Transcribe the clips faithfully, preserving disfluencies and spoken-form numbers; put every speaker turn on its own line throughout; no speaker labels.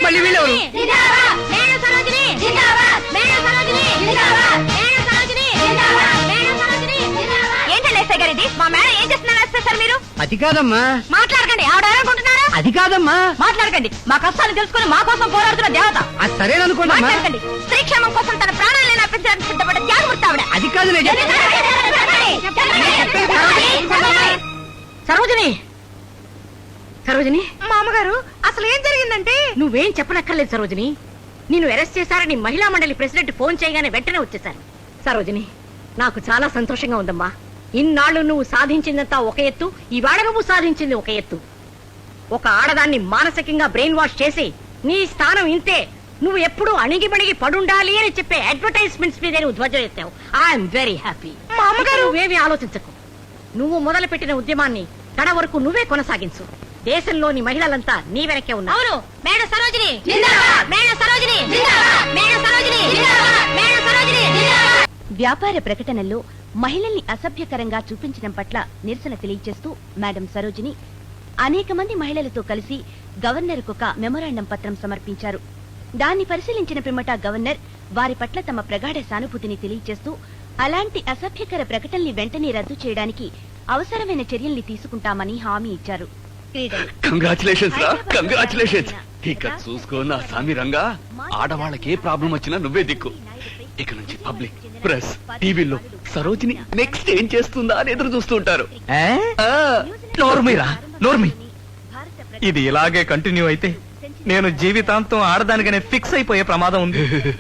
మళ్ళీ వీళ్ళెవరు?
ఏంటండి ఎస్ఐ గారు ఇది? మా మేడం ఏం చేస్తున్నారు ఎస్ఐ సార్ మీరు?
అది కాదమ్మా.
మాట్లాడకండి. ఆవిడ అనుకుంటున్నారా?
అది కాదమ్మా.
మాట్లాడకండి. మా కష్టాన్ని తెలుసుకుని మా కోసం పోరాడుతున్న దేవత.
అది సరేననుకోండి.
మాట్లాడకండి. స్త్రీ క్షేమం కోసం తన ప్రాణాలను అర్పించడానికి సిద్ధపడ్డ త్యాగమూర్తి ఆవిడ.
అది కాదు నేను
సరోజిని, సరోజిని, మా అమ్మగారు అసలు ఏం జరిగిందంటే? నువ్వేం చెప్పనక్కర్లేదు సరోజిని. నిన్ను అరెస్ట్ చేశారని మహిళా మండలి ప్రెసిడెంట్ ఫోన్ చేయగానే వెంటనే వచ్చేశారు. సరోజిని, నాకు చాలా సంతోషంగా ఉందమ్మా. ఇన్నాళ్ళు నువ్వు సాధించిందంతా ఒక ఎత్తు, ఈవేళ నువ్వు సాధించింది ఒక ఎత్తు. ఒక ఆడదాన్ని మానసికంగా బ్రెయిన్ వాష్ చేసి నీ స్థానం ఇంతే, నువ్వు ఎప్పుడు అణిగిమణిగి పడుండాలి అని చెప్పే అడ్వర్టైజ్మెంట్స్ మీద నువ్వు ధ్వజం ఎత్తావు. I'm very happy. మా అమ్మగారు నువ్వేమీ ఆలోచించకు. నువ్వు మొదలు పెట్టిన ఉద్యమాన్ని కడ వరకు నువ్వే కొనసాగించు. దేశంలోని మహిళలంతా నీ వెనకే ఉన్నారు. అవును, మేడం సరోజిని జిందాబాద్, మేడం సరోజిని జిందాబాద్, మేడం సరోజిని జిందాబాద్, మేడం సరోజిని జిందాబాద్. వ్యాపార ప్రకటనల్లో మహిళల్ని అసభ్యకరంగా చూపించడం పట్ల నిరసన తెలియజేస్తూ మేడం సరోజిని అనేక మంది మహిళలతో కలిసి గవర్నర్కు ఒక మెమొరాండం పత్రం సమర్పించారు. దాన్ని పరిశీలించిన పిమ్మట గవర్నర్ వారి పట్ల తమ ప్రగాఢ సానుభూతిని తెలియజేస్తూ అలాంటి అసభ్యకర ప్రకటనల్ని వెంటనే రద్దు చేయడానికి అవసరమైన చర్యల్ని తీసుకుంటామని హామీ ఇచ్చారు.
కంగ్రాచులేషన్స్ రా, కంగ్రాచులేషన్స్. ఇక చూసుకో నా సామి రంగా, ఆడవాళ్ళకి ఏ ప్రాబ్లం వచ్చినా నువ్వే దిక్కు. ఇక నుంచి పబ్లిక్, ప్రెస్, టీవీలో సరోజిని నెక్స్ట్ ఏం చేస్తుందా అని ఎదురు చూస్తూ ఉంటారు.
నోర్మీరా నోర్మి, ఇది ఇలాగే కంటిన్యూ అయితే నేను జీవితాంతం ఆడదానిగానే ఫిక్స్ అయిపోయే ప్రమాదం ఉంది.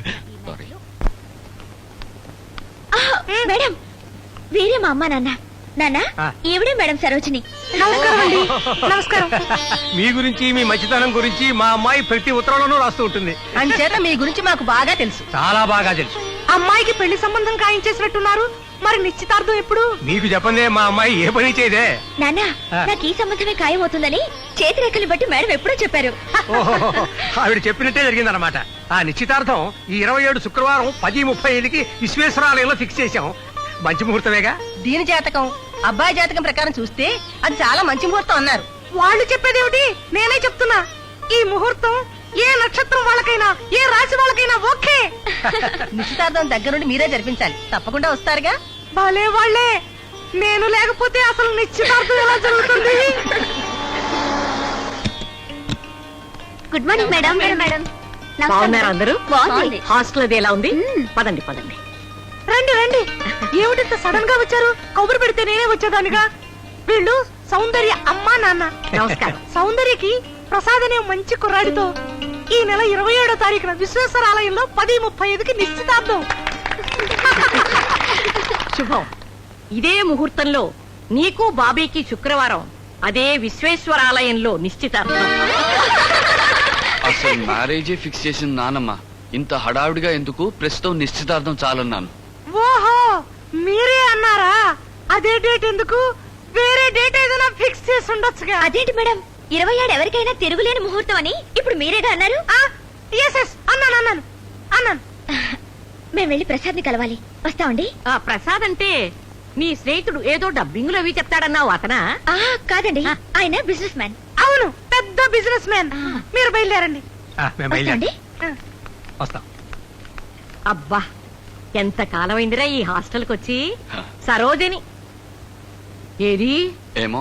మేడం, వీరే మా అమ్మ నాన్న. నాన్న, ఈవిడే మేడం సరోజిని.
నమస్కారం. మీ గురించి, మీ మంచితనం గురించి మా అమ్మాయి ప్రతి ఉత్తరంలోనూ రాస్తూ ఉంటుంది.
అంచేత మీ గురించి మాకు బాగా తెలుసు.
చాలా బాగా తెలుసు.
అమ్మాయికి పెళ్లి సంబంధం ఖాయించేసినట్టున్నారు. మరి నిశ్చితార్థం ఎప్పుడు?
మీకు చెప్పందే మా అమ్మాయి ఏ పని చేయదే.
నాన్న, నాకు ఈ సంబంధమే ఖాయం అవుతుందని చేతిరేఖలు బట్టి మేడం ఎప్పుడో చెప్పారు.
ఆవిడ చెప్పినట్టే జరిగిందన్నమాట. ఆ నిశ్చితార్థం ఈ ఇరవై ఏడు శుక్రవారం పది ముప్పై ఐదుకి విశ్వేశ్వరాలయంలో ఫిక్స్ చేశాం. మంచి ముహూర్తమేగా.
దీని జాతకం, అబ్బాయి జాతకం ప్రకారం చూస్తే అది చాలా మంచి ముహూర్తం అన్నారు. వాళ్ళు చెప్పేదేమిటి, నేనే చెప్తున్నా. ఈ ముహూర్తం ఏ నక్షత్రం వాళ్ళకైనా, ఏ రాశి వాళ్ళకైనా ఓకే. నిశ్చితార్థం దగ్గర నుండి మీరే జరిపించాలి. తప్పకుండా వస్తారుగా. భలే వాళ్ళే. నేను లేకపోతే అసలు నిశ్చితార్థం ఎలా జరుగుతుంది? Good morning madam. మేడం బాగున్నారు అందరూ? హాస్టల్ అది ఎలా ఉంది? పదండి పదండి. రండి రండి. ఏమిటంత సడన్ గా వచ్చారు? కబురు పెడితే నేనే వచ్చేదానిగా. వీళ్ళు సౌందర్య అమ్మా నాన్న. నమస్కారం. సౌందర్యకి ప్రసాద్ అనే మంచి కుర్రాడితో ఈ నెల ఇరవై ఏడో తారీఖున విశ్వేశ్వర ఆలయంలో పది ముప్పై ఐదుకి నిశ్చితార్థం. శుభం. ఇదే ముహూర్తంలో నీకు బాబీకి శుక్రవారం అదే విశ్వేశ్వర ఆలయంలో నిశ్చితార్థం.
అసలు మ్యారేజే ఫిక్స్ చేసిన నానమ్మ ఇంత హడావిడిగా ఎందుకు? ప్రస్తుతం నిశ్చితార్థం చాలన్నాను.
ఓహో, మీరే అన్నారా? అదే డేట్ ఎందుకు? వేరే డేట్ ఏదైనా ఫిక్స్ చేసి ఉండొచ్చుగా. అదేంటి మేడం, ఇరవై ఏడు ఎవరికైనా తిరుగులేని ముహూర్తం అని ఇప్పుడు మీరేగా అన్నారు? అన్నాను అన్నాను అన్నాను. మేము వెళ్ళి ప్రసాద్ ని కలవాలి. వస్తామండి. ప్రసాద్ అంటే నీ స్నేహితుడు ఏదో డబ్బింగ్ లో అవి చెప్తాడన్నావు, అతనా? కాదండి, ఆయన బిజినెస్ మ్యాన్. అవును, పెద్ద బిజినెస్ మ్యాన్. మీరు బయలుదేరండి. అబ్బా, ఎంత కాలమైందిరా ఈ హాస్టల్కి వచ్చి. సరోజిని ఏది?
ఏమో.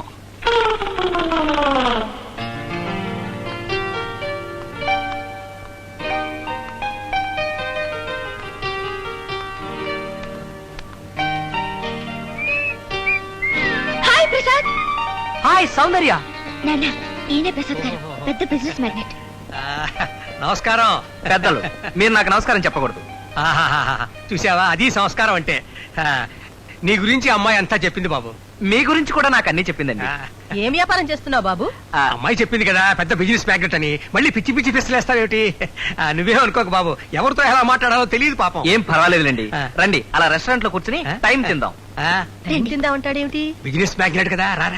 హాయ్ ప్రసాద్.
హాయ్ సౌందర్య.
నాన్న, ఈయనే ప్రసాద్ గారు, పెద్ద బిజినెస్ మ్యాగ్నెట్.
నమస్కారం పెద్దలు. మీరు నాకు నమస్కారం చెప్పకూడదు. చూసావా, అది సంస్కారం అంటే. నీ గురించి అమ్మాయి అంతా చెప్పింది బాబు.
మీ గురించి కూడా నాకు అన్ని చెప్పిందండి.
ఏం వ్యాపారం చేస్తున్నావు బాబు?
అమ్మాయి చెప్పింది కదా పెద్ద బిజినెస్ మ్యాగ్నెట్ అని. మళ్ళీ పిచ్చి పిచ్చి పిస్తలేస్తావేమిటి? నువ్వేం అనుకోక బాబు, ఎవరితో ఎలా మాట్లాడాలో తెలియదు పాపం.
ఏం పర్వాలేదులేండి, రండి అలా రెస్టారెంట్ లో కూర్చుని టైం తిందాం.
తిందా ఉంటాడేమిటి?
బిజినెస్ మ్యాగ్నెట్ కదా, రారా.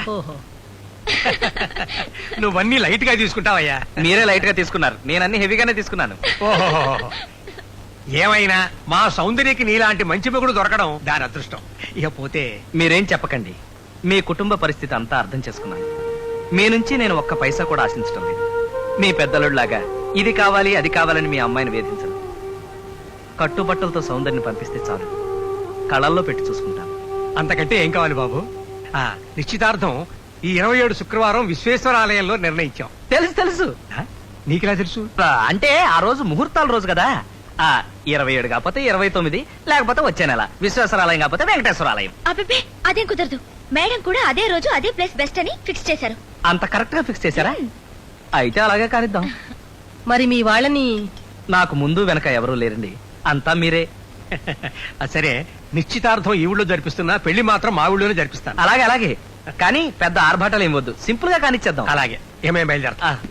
నువ్వన్నీ లైట్ గా తీసుకుంటావయ్యా.
మీరే లైట్ గా తీసుకున్నారు, నేను అన్ని హెవీగానే తీసుకున్నాను.
ఓహో, ఏమైనా మా సౌందర్యకి నీలాంటి మంచి మొగుడు దొరకడం దాని అదృష్టం. ఇక పోతే
మీరేం చెప్పకండి, మీ కుటుంబ పరిస్థితి అంతా అర్థం చేసుకున్నాను. మీ నుంచి నేను ఒక్క పైసా కూడా ఆశించడం లేదు. మీ పెద్దలులాగా ఇది కావాలి అది కావాలని మీ అమ్మాయిని వేధించను. కట్టుబట్టలతో సౌందర్యం పంపిస్తే చాలు, కళల్లో పెట్టి చూసుకుంటాను.
అంతకంటే ఏం కావాలి బాబు? ఆ నిశ్చితార్థం ఈ ఇరవై ఏడు శుక్రవారం విశ్వేశ్వర ఆలయంలో నిర్ణయించాం.
తెలుసు తెలుసు
ఆ, నీకెలా తెలుసు?
ఆ, అంటే ఆ రోజు ముహూర్తాల రోజు కదా. ఆ ఇరవై ఏడు కాకపోతే ఇరవై తొమ్మిది, లేకపోతే వచ్చే నెల విశ్వేశ్వరాలయం కాకపోతే వెంకటేశ్వరాలయం.
అబ్బే అదేం కుదరదు. మేడం కూడా అదే రోజు అదే ప్లేస్ బెస్ట్ అని ఫిక్స్ చేశారు.
అంత కరెక్ట్ గా ఫిక్స్ చేశారా? అయితే అలాగే కానిద్దాం.
మరి మీ వాళ్ళని
నాకు ముందు వెనక ఎవరూ లేరండి, అంతా మీరే.
ఆ, సరే నిశ్చితార్థం ఈ ఊళ్ళో జరిపిస్తున్నా, పెళ్లి మాత్రం మా ఊళ్ళోనే జరిపిస్తాను.
అలాగే అలాగే, కానీ పెద్ద ఆర్భాటాలు ఏం వద్దు, సింపుల్ గా కానిచ్చేద్దాం.
అలాగే ఏమేమి బయలుదేరతా.
ఆ.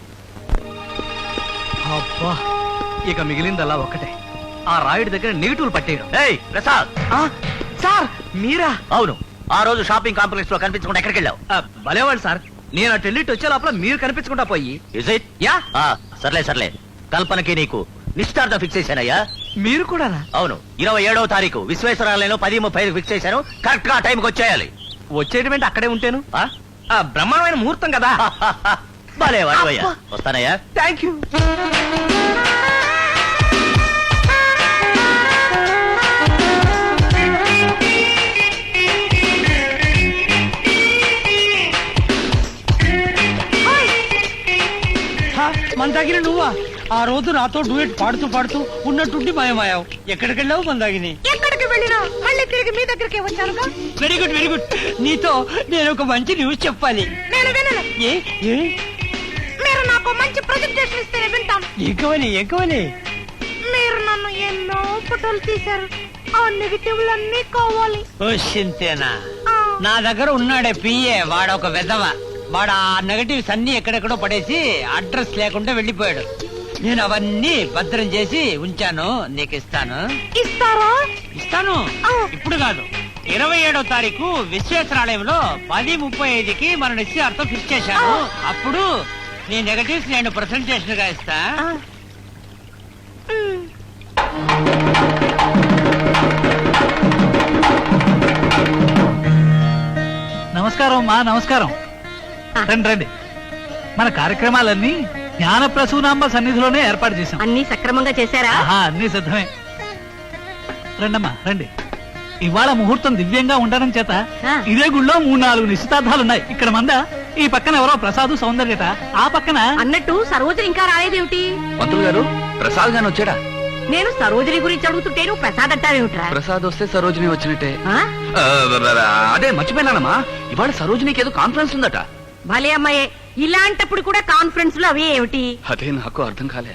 అబ్బా, ఇక మిగిలిందల్లా ఒక్కటే, ఆ రాయుడి దగ్గర నెగిటివ్ పట్టేయడం.
ఏయ్ ప్రసాద్,
ఆ, సార్ మీరా?
అవును, ఆ రోజు షాపింగ్ కాంప్లెక్స్ లో కనిపించకుండా ఎక్కడికి వెళ్ళావు?
ఆ, భలేవాళ్ళు సార్, నేను అటు వెళ్ళి ఇటు వచ్చే లోపల మీరు కనిపించకుండా పోయి.
Is it?
యా,
ఆ, సర్లే సర్లే, కల్పనకి నీకు నిశ్చితార్థం ఫిక్స్ చేశానయ్యా.
మీరు కూడా
అవును, ఇరవై ఏడవ తారీఖు విశ్వేశ్వరాలయంలో పది ముప్పై ఐదు ఫిక్స్ చేశాను. కరెక్ట్ గా టైంకి వచ్చేయాలి.
వచ్చేటువంటి అక్కడే ఉంటాను.
ఆ?
ఆ, బ్రహ్మాండమైన ముహూర్తం కదా.
భలే వాడివయ్యా. వస్తానయ్యా.
Thank you.
మన దగ్గర నువ్వా? ఆ రోజు నాతో డూయట్ పాడుతూ పాడుతూ ఉన్నట్టుండి మాయమాయావు. ఎక్కడికి వెళ్ళావు మందాగిని?
ఎక్కడికి వెళ్ళినా మళ్ళీ తిరిగి మీ దగ్గరికి వచ్చానుగా.
Very good very good. నీతో నేను ఒక మంచి న్యూస్ చెప్పాలి.
నేను వినను.
ఏ ఏ
మీరు నాకు మంచి ప్రజెంటేషన్ ఇస్తేనే వింటాను.
ఎక్కువని ఎక్కువని
మీరు నన్ను ఎన్నో ఫోటోలు తీశారు, ఆ నెగిటివ్లన్నీ కావాలి.
ఓ సింతేనా?
ఆ,
నా దగ్గర ఉన్నాడే పిఏ, వాడొక వెధవ. వాడు ఆ నెగటివ్స్ అన్ని ఎక్కడెక్కడో పడేసి అడ్రస్ లేకుండా వెళ్ళిపోయాడు. నేను అవన్నీ భద్రం చేసి ఉంచాను, నీకు ఇస్తాను.
ఇస్తారా?
ఇస్తాను.
ఆ.
ఇప్పుడు కాదు, ఇరవై ఏడో తారీఖు విశ్వేశ్వరాలయంలో పది ముప్పై ఐదుకి మన నిశ్చయార్థం ఫిక్స్ చేశాను. అప్పుడు నీ నెగటివ్స్ నేను ప్రెసెంటేషన్ గా ఇస్తా.
ఆ. మ్.
నమస్కారం మా నమస్కారం. రండి రండి. మన కార్యక్రమాలన్నీ జ్ఞాన ప్రసూనాంబ సన్నిధిలోనే ఏర్పాటు చేశాం.
అన్ని సక్రమంగా చేశారా?
ఆహా, అన్ని సిద్ధమే. రండమ్మా రండి. ఇవాళ ముహూర్తం దివ్యంగా ఉండడం చేత
ఆ.
ఇదే గుళ్ళో మూడు నాలుగు నిశ్చితార్థాలున్నాయి. ఇక్కడ మంద, ఈ పక్కన ఎవరో ప్రసాదు సౌందర్యత, ఆ పక్కన
అన్నట్టు సరోజని ఇంకా రాలేదేమిటి?
పంతులు గారు, ప్రసాద్ గాని వచ్చాడా?
నేను సరోజని గురించి అడుగుతుంటే నువ్వు ప్రసాద్ అంటావేమిట్రా?
ప్రసాద్ వస్తే సరోజిని వచ్చినట్టే.
ఆ?
ఆ, అదే మర్చిపోయినానమ్మా, ఇవాళ సరోజినికి ఏదో కాన్ఫరెన్స్ ఉందట.
భలే అమ్మాయే, ఇలాంటప్పుడు కూడా కాన్ఫరెన్స్ లో అవి ఏమిటి?
అదే నాకు అర్థం కాలే.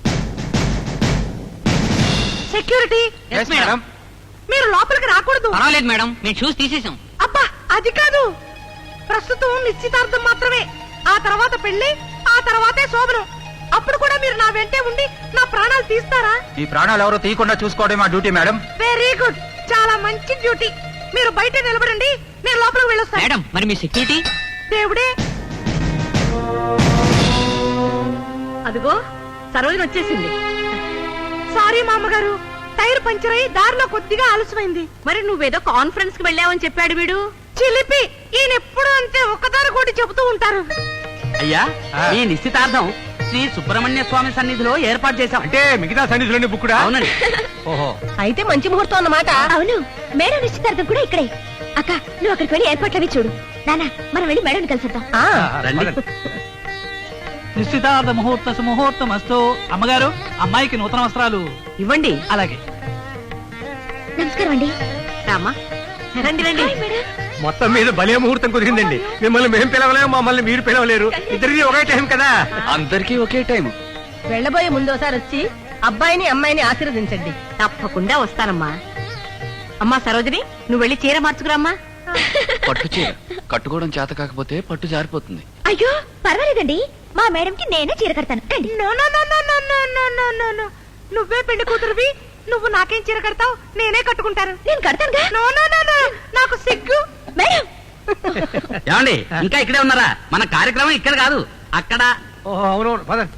సెక్యూరిటీ, మీరు లోపలికి రాకూడదు.
పర్వాలేదు మేడం, మేము చూసి తీసేసాం.
అబ్బా, అది కాదు. ప్రస్తుతం నిశ్చితార్థం మాత్రమే, ఆ తర్వాత పెళ్లి, ఆ తర్వాతే శోభనం. అప్పుడు కూడా మీరు నా వెంటే ఉండి నా ప్రాణాలు తీస్తారా?
ఈ ప్రాణాలు ఎవరో తీయకుండా చూసుకోవడం మా డ్యూటీ మేడం.
వెరీ గుడ్, చాలా మంచి డ్యూటీ. మీరు బయట నిలబడండి, నేను లోపలికి వెళ్ళొస్తాను.
మేడం, మరి మీ సెక్యూరిటీ?
దేవుడే, అదిగో సరోజని వచ్చేసింది. సారీ మామగారు, టైర్ పంచర్ అయి దారిలో కొద్దిగా ఆలస్యమైంది. మరి నువ్వేదో కాన్ఫరెన్స్ కి వెళ్ళావని చెప్పాడు వీడు. చిలిపి, ఈయన ఎప్పుడు అంతే ఒక్కదాని కూడా చెబుతూ ఉంటారు.
అయ్యా, ఈ నిశ్చితార్థం శ్రీ సుబ్రహ్మణ్య స్వామి సన్నిధిలో ఏర్పాటు చేశాం.
అంటే మిగతా సన్నిధిలోని బుక్కుడా?
అవునండి.
ఓహో,
అయితే మంచి ముహూర్తం అన్నమాట.
అవును, మేడం నిశ్చితార్థం కూడా ఇక్కడే. అక్క, నువ్వు అక్కడికి వెళ్ళి ఏర్పాట్లు అవి చూడు. నానా, మనం వెళ్ళి మేడం కలిసిద్దాం.
ఆ,
రండి.
నిశ్చితార్థ ముహూర్త సుముహూర్తం అస్తు. అమ్మగారు, అమ్మాయికి నూతన వస్త్రాలు
ఇవ్వండి.
అలాగే.
నమస్కారం అండి.
రామా, రండి రండి.
Hi madam.
మొత్తం మీద భలే ముహూర్తం కుదిరిందండి. మిమ్మల్ని మేము పిలవలేము, మమ్మల్ని మీరు పిలవలేరు. ఇద్దరిది ఒకే టైం కదా.
అందరికీ ఒకే టైం.
వెళ్ళబోయే ముందు ఒకసారి వచ్చి అబ్బాయిని అమ్మాయిని ఆశీర్వదించండి. తప్పకుండా వస్తానమ్మా. అమ్మా సరోజిని, నువ్వు వెళ్ళి చీర మార్చుకురామ్మా.
పట్టు చీర కట్టుకోవడం చేత కాకపోతే పట్టు జారిపోతుంది.
అయ్యో పర్వాలేదండి, మా మేడంకి నేనే చీర కడతాను. రండి.
No, no, no, no, no, no, no, no, no, no. నువ్వే పెళ్లి కూతురువి, నువ్వు నాకేం చీర కడతావు? నేనే కట్టుకుంటాను.
నేను కడతానుగా.
నో, నో, నో, నో, నాకు సిగ్గు.
మేడం,
ఏమండి, ఇంకా ఇక్కడే ఉన్నారా? మన కార్యక్రమం ఇక్కడ కాదు, అక్కడ.
ఓహో, అవునవును, పదండి.